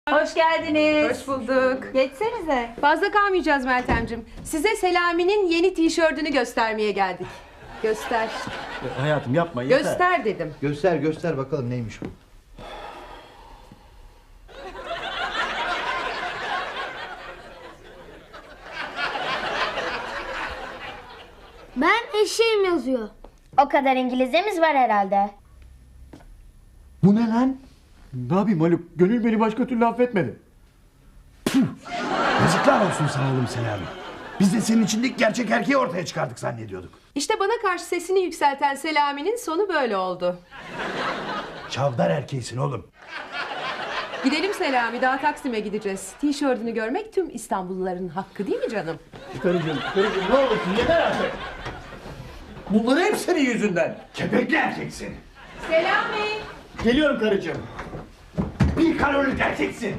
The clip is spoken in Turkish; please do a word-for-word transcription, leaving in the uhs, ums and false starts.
Hoş geldiniz. Hoş bulduk. Geçsenize. Fazla kalmayacağız Meltemciğim. Size Selami'nin yeni tişörtünü göstermeye geldik. Göster. Hayatım yapma yeter. Göster dedim. Göster göster bakalım neymiş bu. Ben eşeğim yazıyor. O kadar İngilizcemiz var herhalde. Bu ne lan? Ne yapayım Haluk? Gönül beni başka türlü affetmedi. Puh! Yazıklar olsun sana oğlum Selami. Biz de senin içindeki gerçek erkeği ortaya çıkardık zannediyorduk. İşte bana karşı sesini yükselten Selami'nin sonu böyle oldu. Çavdar erkeğisin oğlum. Gidelim Selami, daha Taksim'e gideceğiz. Tişörtünü görmek tüm İstanbulluların hakkı değil mi canım? Karıcığım, karıcığım ne olursun yeter artık. Bunları hep senin yüzünden. Kepekli erkeksin. Selami! Geliyorum karıcığım. Bir kalorili erkeksin.